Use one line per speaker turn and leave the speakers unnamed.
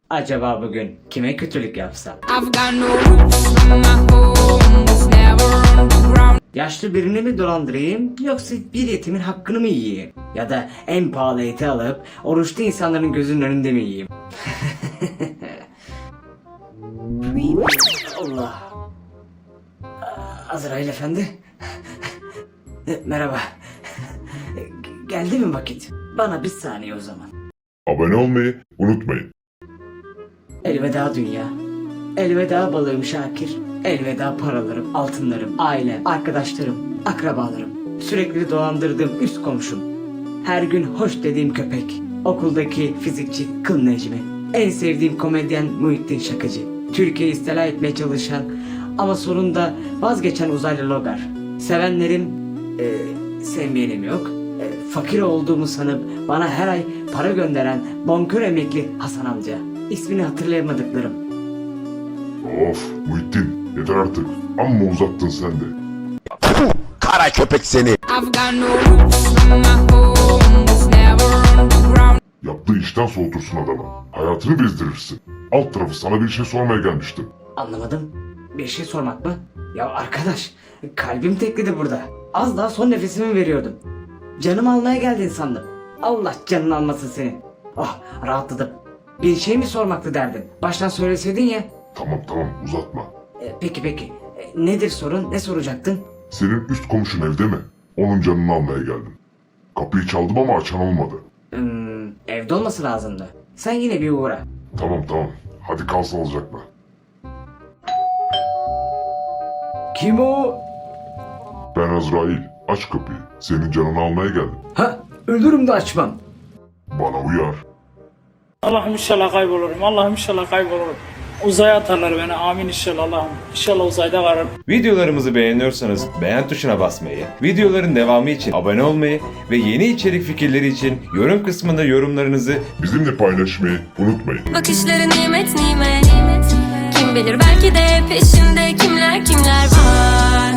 Acaba bugün kime kötülük yapsam? Yaşlı birini mi dolandırayım yoksa bir yetimin hakkını mı yiyeyim? Ya da en pahalı eti alıp oruçlu insanların gözünün önünde mi yiyeyim? Allah. Azrail efendi. Merhaba. Geldi mi vakit? Bana bir saniye o zaman.
Abone olmayı unutmayın.
Elveda dünya. Elveda balığım Şakir. Elveda paralarım, altınlarım, ailem, arkadaşlarım, akrabalarım. Sürekli dolandırdığım üst komşum. Her gün hoş dediğim köpek. Okuldaki fizikçi Kıl Necmi. En sevdiğim komedyen Muhittin Şakacı. Türkiye'yi istila etmeye çalışan ama sonunda vazgeçen uzaylı Logar. Sevenlerim, sevmeyenim yok. Fakir olduğumu sanıp bana her ay para gönderen bonkör emekli Hasan amca. İsmini hatırlayamadıklarım.
Of Muhittin yeter artık. Amma uzattın sen de.
Kara köpek seni.
Yaptığı işten soğutursun adamı. Hayatını bezdirirsin. Alt tarafı sana bir şey sormaya gelmiştim.
Anlamadım. Bir şey sormak mı? Ya arkadaş, kalbim tekledi burada. Az daha son nefesimi veriyordum. Canımı almaya geldin sandım. Allah canını almasın senin. Oh, rahatladım. Bir şey mi sormaktı derdin? Baştan söyleseydin ya.
Tamam uzatma.
Peki. Nedir sorun? Ne soracaktın?
Senin üst komşun evde mi? Onun canını almaya geldim. Kapıyı çaldım ama açan olmadı.
Evde olması lazımdı. Sen yine bir uğra.
Tamam. Hadi kal sağlıcakla.
Kim o?
Ben Azrail. Aç kapıyı. Senin canını almaya geldim.
Ha, ölürüm de açmam.
Bana uyar.
Allah'ım inşallah kaybolurum. Allah'ım inşallah kaybolurum. Uzaya atarlar beni. Amin inşallah Allah'ım. İnşallah uzayda kalırım.
Videolarımızı beğeniyorsanız beğen tuşuna basmayı, videoların devamı için abone olmayı ve yeni içerik fikirleri için yorum kısmında yorumlarınızı
Bizimle paylaşmayı unutmayın.
Bakışları nimet. Kim bilir belki de peşinde kimler var.